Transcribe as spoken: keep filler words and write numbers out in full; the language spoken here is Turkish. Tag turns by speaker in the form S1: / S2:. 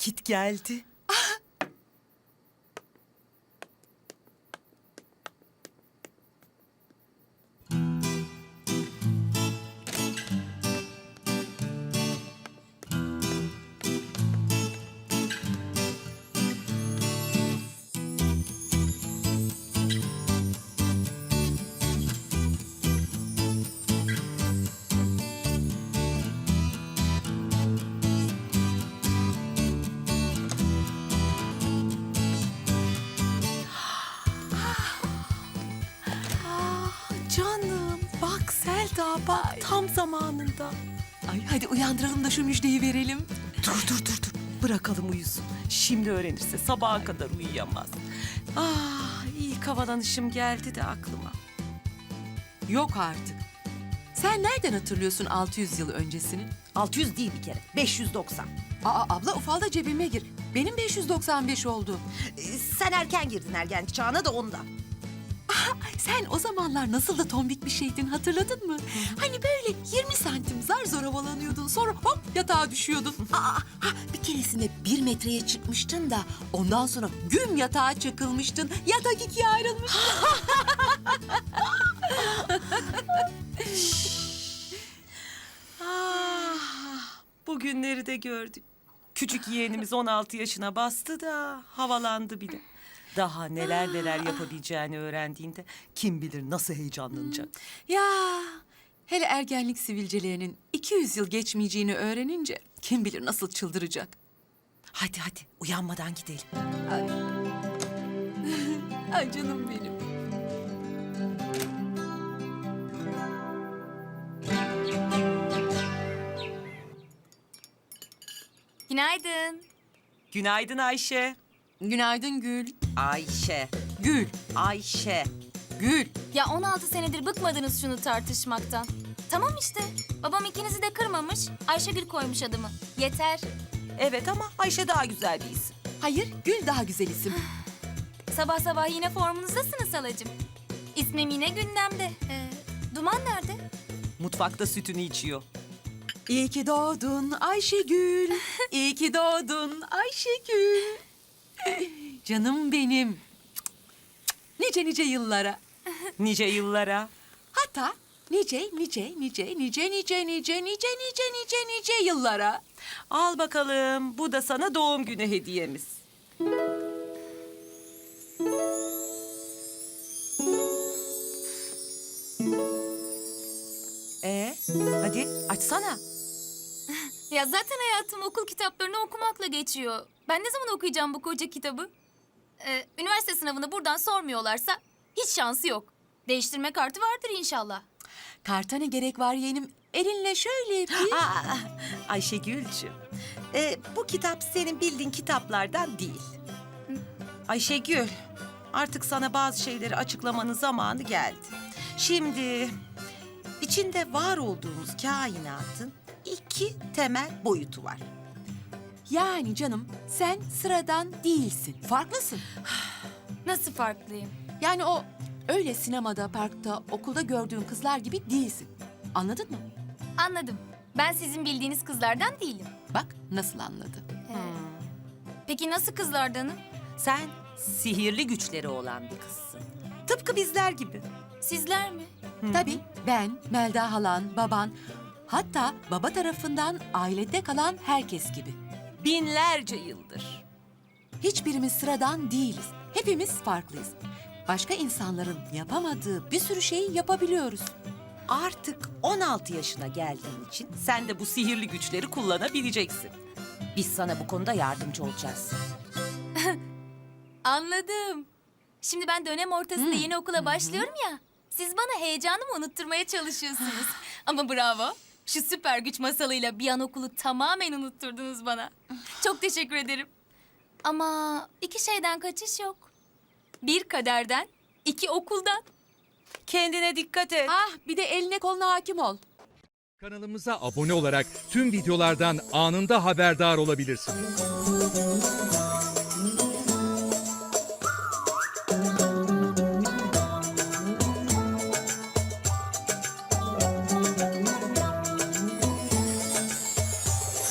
S1: Vakit geldi. Canım bak Selda bak tam zamanında.
S2: Ay hadi uyandıralım da şu müjdeyi verelim.
S1: Dur dur dur dur bırakalım uyusun. Şimdi öğrenirse sabaha kadar uyuyamaz. Ah ilk havalanışım geldi de aklıma.
S2: Yok artık. Sen nereden hatırlıyorsun altı yüz yıl öncesini?
S1: altı yüz değil bir kere beş yüz doksan.
S2: Aa abla ufalda cebime gir. Benim beş yüz doksan beş oldu.
S1: Ee, sen erken girdin ergenlik çağına da ondan.
S2: Sen o zamanlar nasıl da tombik bir şeydin hatırladın mı? Hani böyle yirmi santim zar zor havalanıyordun sonra hop yatağa düşüyordun. Aa, ha, bir keresinde bir metreye çıkmıştın da ondan sonra güm yatağa çakılmıştın. Yatak ikiye ayrılmış.
S1: Ah, bugünleri de gördük. Küçük yeğenimiz on altı yaşına bastı da havalandı bile. Daha neler neler yapabileceğini öğrendiğinde kim bilir nasıl heyecanlanacak.
S2: Ya hele ergenlik sivilcelerinin iki yüz yıl geçmeyeceğini öğrenince kim bilir nasıl çıldıracak.
S1: Hadi hadi uyanmadan gidelim.
S2: Ay, Ay canım benim.
S3: Günaydın.
S1: Günaydın Ayşe.
S2: Günaydın Gül.
S1: Ayşe.
S2: Gül.
S1: Ayşe.
S2: Gül.
S3: Ya on altı senedir bıkmadınız şunu tartışmaktan. Tamam işte. Babam ikinizi de kırmamış. Ayşegül koymuş adımı. Yeter.
S1: Evet ama Ayşe daha güzel bir isim.
S2: Hayır Gül daha güzel isim.
S3: Sabah sabah yine formunuzdasınız halacığım. İsmim yine gündemde. Ee, Duman nerede?
S1: Mutfakta sütünü içiyor.
S2: İyi ki doğdun Ayşegül. İyi ki doğdun Ayşegül. Canım benim. Nice nice yıllara.
S1: Nice yıllara.
S2: Hatta nice nice nice nice nice nice nice nice nice nice yıllara.
S1: Al bakalım bu da sana doğum günü hediyemiz. Ee, hadi açsana.
S3: Ya zaten hayatım okul kitaplarını okumakla geçiyor. Ben ne zaman okuyacağım bu koca kitabı? Ee, üniversite sınavını buradan sormuyorlarsa hiç şansı yok. Değiştirme kartı vardır inşallah.
S2: Karta ne gerek var yeğenim? Elinle şöyle bir...
S1: Aa, Ayşegül'cüğüm. Ee, bu kitap senin bildiğin kitaplardan değil. Ayşegül, artık sana bazı şeyleri açıklamanın zamanı geldi. Şimdi içinde var olduğumuz kainatın iki temel boyutu var.
S2: Yani canım sen sıradan değilsin. Farklısın.
S3: Nasıl farklıyım?
S2: Yani o öyle sinemada, parkta, okulda gördüğün kızlar gibi değilsin. Anladın mı?
S3: Anladım. Ben sizin bildiğiniz kızlardan değilim.
S2: Bak nasıl anladı.
S3: Peki nasıl kızlardanım?
S1: Sen sihirli güçleri olan bir kızsın. Tıpkı bizler gibi.
S3: Sizler mi?
S2: Tabii ben, Melda halan, baban, hatta baba tarafından ailede kalan herkes gibi.
S1: Binlerce yıldır.
S2: Hiçbirimiz sıradan değiliz. Hepimiz farklıyız. Başka insanların yapamadığı bir sürü şeyi yapabiliyoruz.
S1: Artık on altı yaşına geldiğin için sen de bu sihirli güçleri kullanabileceksin. Biz sana bu konuda yardımcı olacağız.
S3: Anladım. Şimdi ben dönem ortasında yeni okula başlıyorum ya. Siz bana heyecanımı unutturmaya çalışıyorsunuz. Ama bravo. Şu süper güç masalıyla bir an okulu tamamen unutturdunuz bana. Çok teşekkür ederim. Ama iki şeyden kaçış yok. Bir kaderden, iki okuldan.
S1: Kendine dikkat et.
S2: Ah bir de eline koluna hakim ol.
S4: Kanalımıza abone olarak tüm videolardan anında haberdar olabilirsiniz.